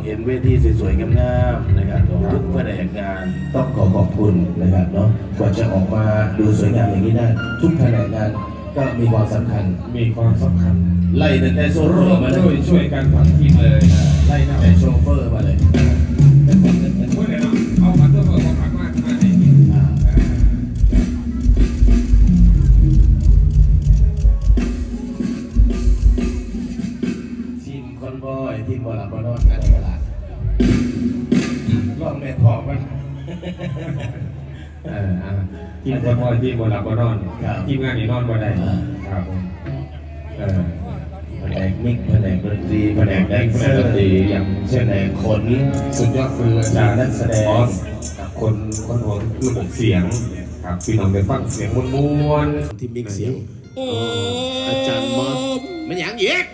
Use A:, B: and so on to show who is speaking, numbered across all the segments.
A: ห็นเวทีสวยๆงามๆนะครับทุกแผนกงานต้องขอบคุณนะครับเนาะกว่าจะออกมาดูสวยงามอย่างนี้ได้ทุกแผนกงานก็มีความสำคัญไล่ตั้งแต่โซเฟอร์มาเลย
B: ช่วยกันทั้งทีมเลย
A: ไล่ตั้งแต่โชเฟอร์มาเลย
B: พูดเลยเนาะเอาผัดตัวเปิดผักมากให้
A: ทีมคอนบอยทีมบอลลับบอลนอนกันตลาดลองแม่ทองมัน
B: ทีมคนบอลทีมบอลลับบอลนอนทีมงานนี่นอนบ่ได้ครับ
A: แผนกมิกแผนกดนตรีแผนกแดนเซอร์อย่างเช่นแผนกขนสุดยอดคืออาจารย์นักแสดง
B: คนหัวระบบเสียงครับพี่น้องได้ฟังเสียงม้วน
A: ที่มิกเสียงอาจารย์มอสมันอย่างเยก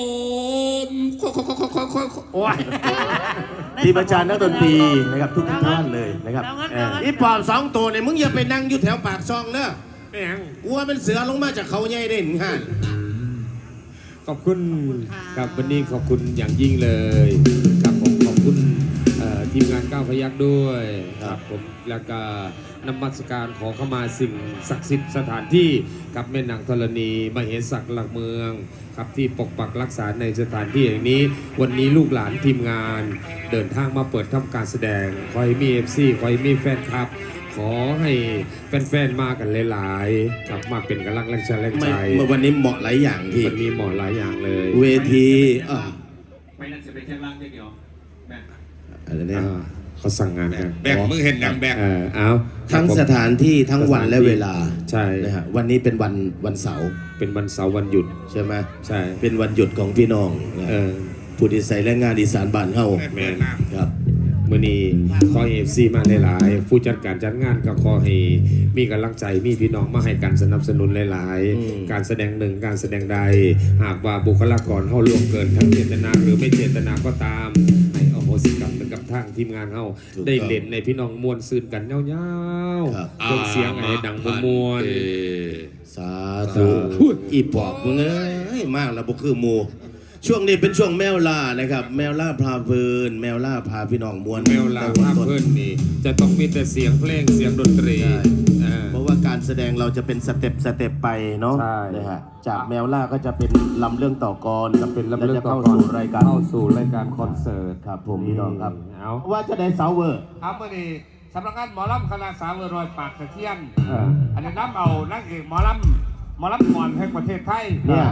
A: ทีมอาจารย์นักดนตรีนะครับทุกท่านเลยนะครับอีปอบ2 ตัวเนี่ยมึงอย่าไปนั่งอยู่แถวปากซองเนอะกลัวเป็นเสือลงมาจากเขาใหญ่เด่นค่ะ
B: ขอบคุณครับวันนี้ขอบคุณอย่างยิ่งเลยครับผมขอบคุณทีมงานก้าวพยัคฆ์ด้วยครับผมแล้วก็นมัสการขอเข้ามาสิ่งศักดิ์สิทธิ์สถานที่กับแม่นางธรณีมเหสักหลักเมืองครับที่ปกปักรักษาในสถานที่อย่างนี้วันนี้ลูกหลานทีมงานเดินทางมาเปิดทำการแสดงขอให้มี FC ขอให้มีแฟนคลับขอให้แฟนๆมากันหลายๆกลับมาเป็นกำลังใจ
A: เมื่อวันนี้เหมาะหลายอย่างที่
B: วันนี้เหมาะหลายอย่างเลย
A: เวที
C: ไม่นั่นจะเป็นแค่ล่างเดียวแบก
A: อะไรเนี่ย
B: เขาสั่งงานกัน
C: แบกมึงเห็นดังแบก
B: เอา
A: ทั้งสถานที่ทั้งวันและเวลา
B: ใช่
A: นะฮะวันนี้เป็นวันเสาร์
B: เป็นวันเสาร์วันหยุด
A: ใช่ไหม
B: ใช่
A: เป็นวันหยุดของพี่น้องผู้ที่ใส่แรงงานอีสานบ้านเฮา
B: แม่
A: ครับ
B: มื่อนี้ขอเอฟซีมาหลายๆผู้จัดการจัดงานก็ขอให้มีกำลังใจมีพี่น้องมาให้การสนับสนุนหลายๆการแสดงหนึ่งการแสดงใดหากว่าบุคลากรเฮาล่วงเกินทั้งเจตนาหรือไม่เจตนาก็ตามให้อโหสิกรรมกับทางทีมงานเฮาได้เล่นในพี่น้องมวลซื่นกันยาวๆเครื่องเสียงไอ้ดังมวล
A: สาธุอีปอบมึงเอ้ยมากแล้วบ่คือหมู่ช่วงนี้เป็นช่วงแมวล่านะครับแมวล่าพาเพลินแมวล่าพาพี่น้องมวล
B: แมวล่าพาเพลินนี่จะต้องมีแต่เสียงเพลงเสียงดนตรี
A: เพราะว่าการแสดงเราจะเป็นสเต็ปไปเนาะนะฮะจากแมวล่าก็จะเป็นลำเรื่องต่อกร
B: จะเป็นลำเรื่องต่อกร
A: เข้าสู่ราย
B: การคอนเสิร์ต
A: ครับผมพี่น้องครับว่าจะได้เสาเวอร์
C: ครับเมื่อนี้สำนักงานหมอลำคณะสาวรอยปากเทียนอันนี้น้ำเอานักเอกหมอลำก่อนแห่งประเทศไทย
A: เนี่ย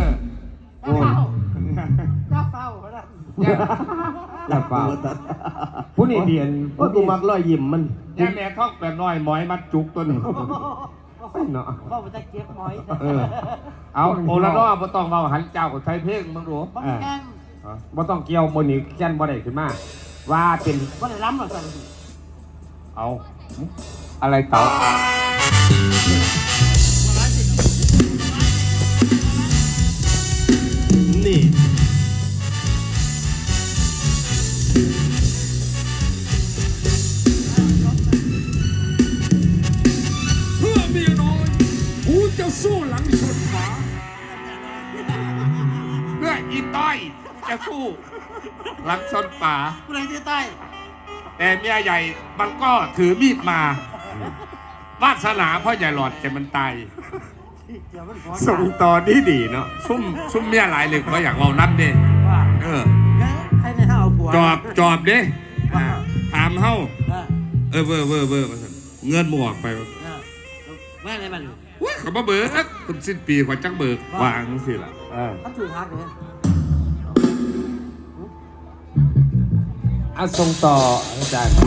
C: ย่าเฝ้า
B: ผู้นี้เดียน
A: ว่ากูมักรอยยิ้มมัน
C: ย่าแม่ท้องแปดน้อยหมอยมัดจุกตัวนี้
B: เนาะ
D: ก็มันจะเก็บหมอย
C: เอาโอละรอบบ่ต้องเบาหันเจ้ากับไทยเพลงมึงรู้
B: บ่ต้องเกี่ยวโมนี่แก่นบ่ได้ขึ้นมาว่าเป็น
D: บ่ได้ล้ำหรอกจ้ะ
C: เอาอะไรเต่า
A: นี่
C: เพื่อเมียน้อยกูจะสู้หลังชนฝาเพื่ออีต้อยจะสู้หลังชนฝา
D: ผู้ใดที่ใต้
C: แต่เมียใหญ่มันก็ถือมีดมาวาสนาพ่อใหญ่หลอดแต่มันตาย
B: ส่งต่อดีเนาะ
C: ซุ่มเมียหลายเลยก็อยากเอานั่นดิ
D: ให้ในห้าเอาผัว
C: จอบดิถามเฮ้าเวอร์เงินหมวกไป
D: แม่อะไรมัน
C: ว้าเขามาเบิกคุณสิ้นปีขวัญจังเบิกวางสิล่ะ
D: ท่านถือทักเลย
B: ส่งต่ออาจารย์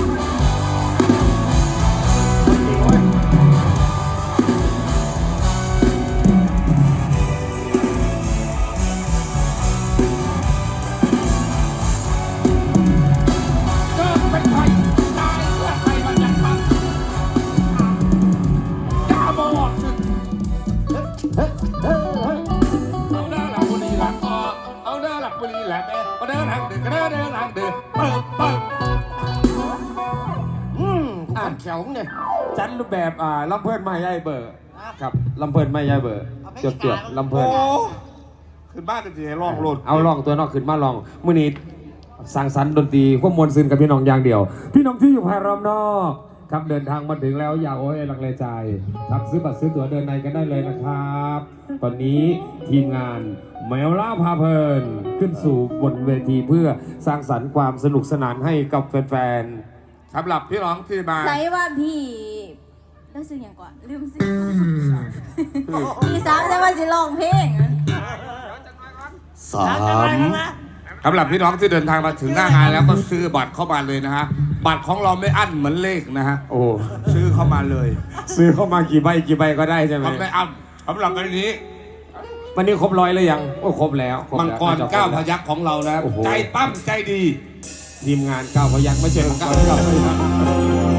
A: แข็งเนี่ย
B: จัดรูปแบบลำเพลินไม่ใหญ่เบอร์ครับลำเพลินไม่ใหญ่เบอร์จดลำเพลิน
C: ขึ้นบ้านกันสิให้ลองโหลด
B: เอาลองตัวนอกขึ้นมาลองมื้อนี้สร้างสรรค์ดนตรีควบมวลซึนกับพี่น้องอย่างเดียว พี่น้องที่อยู่ภายรอบนอกครับเดินทางมาถึงแล้วอย่าโอ้ยลังเลใจครับซื้อบัตรซื้อตั๋วเดินในกันได้เลยนะครับ ตอนนี้ทีมงานแมวล่าพาเพลินขึ้นสู่บนเวทีเพื่อสร้างสรรค์ความสนุกสนานให้กับแฟน
C: สำหรับพี่น้องที่มา
E: ใส่ว่าพี่แล้วซื้ออย่างก่อนลืมซื้อพี่สามใช่ว่าสิร้องเพลงอะ
A: สาม
C: สำหรับพี่น้องที่เดินทางมาถึงหน้างานแล้วก็ซื้อบัตรเข้ามาเลยนะฮะบัตรของเราไม่อั้นเหมือนเลขนะฮะ
B: ๆ โอ้
C: ซื้อเข้ามาเลย
B: ซื้อเข้ามากี่ใบก็ได้ใช่ไหม
C: ทำไม่อั้นสำหรับวันนี้
B: วันนี้ครบ100เลยยังโอ้ครบแล้วคบ
C: มัง
B: แล้ว
C: กร
B: น่จะค
C: เก้าร พ
B: แล้ว
C: ยักของเรานะ
B: โอ้โห
C: ใจปั้มใจดี
B: ทีมงาน9พยัคฆ์ไม่ใช่9พยัคฆ์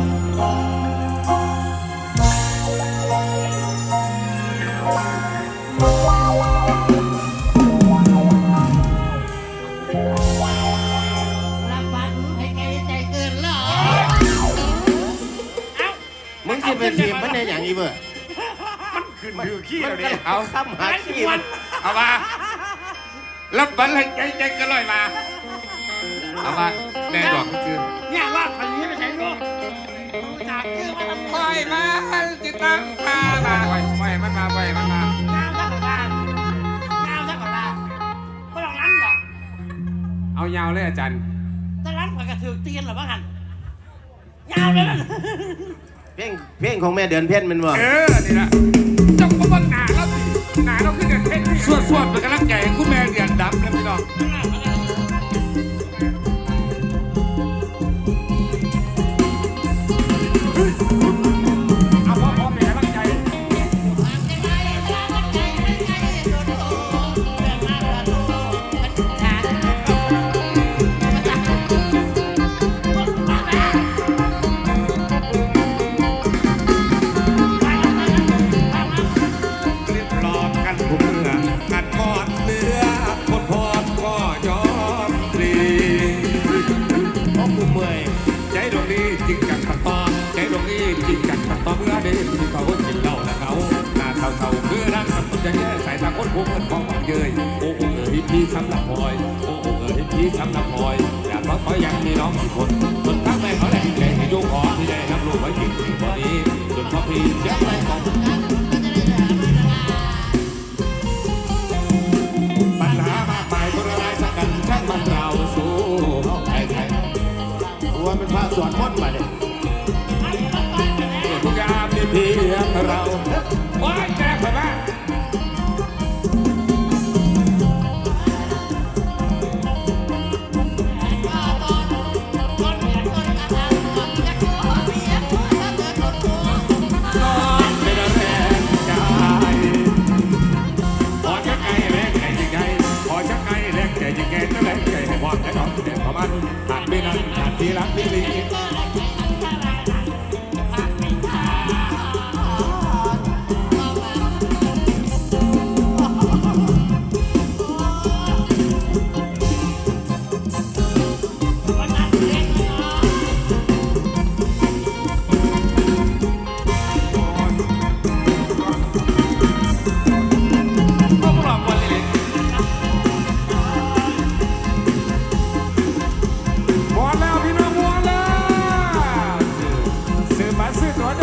D: รับบัตรให้ไกลใจเกินเหรอ
A: มึงจะเป็นทีมมันในอย่างนี้เบอร์
C: ขึ้นมือขี้เราดิ
A: เอาข้ามหาขี้มัน
C: เอามารับบัตรให้ใจก็ลอยมาเอามาแน่ดอกคือ
D: เนี่ยว่าคนนี้ไม่ใช่ลูกจากชื่อมาทำ
C: ปล่อยมาจิตตังพามาปล่อยมันมาปล่อยมันมา
D: งามสักกว่าางามสักกว่าไม่ต้องนั้นหรอก
B: เอายาวเลยอาจารย์
D: ถ้านั้นข่อยกระถือตีนหรอบ้างหันยาวเลยนั่น
A: เพลงของแม่เดือนเพ็ญมันบ่
C: นี่ละจงมาบังหนาเราสิหนาเราขึ้นเดือนเพชรสวดเป็นกำลังใจให้คุณแม่เดือนดำนะพี่น้อง เอาพ่อเป็นกำลังใจ เรียบร้อมกันทุกเมื่อกันกอดเรือพดพอดก็ยอมปลีเพราะกูเมื่อยใจดวงนี้จริงจังขัดตอนใจดวงนี้จริงจังขัดตอนเมื่อเด็กที่เขากินเหล้าและเขาหน้าเท่าๆคือรักกับคนจะแย่สายตาคนพวกมันของมันเยยโอ้โหพี่สำหรับพลอยโอ้โหพี่สำหรับพลอยอยากขอยังมีน้องอีกคนจนทั้งแม่เขาแหลกแหลกให้โยกขอที่ได้รับรู้ไว้จริงๆวันนี้จนพ่อพี่เจ็บใจของ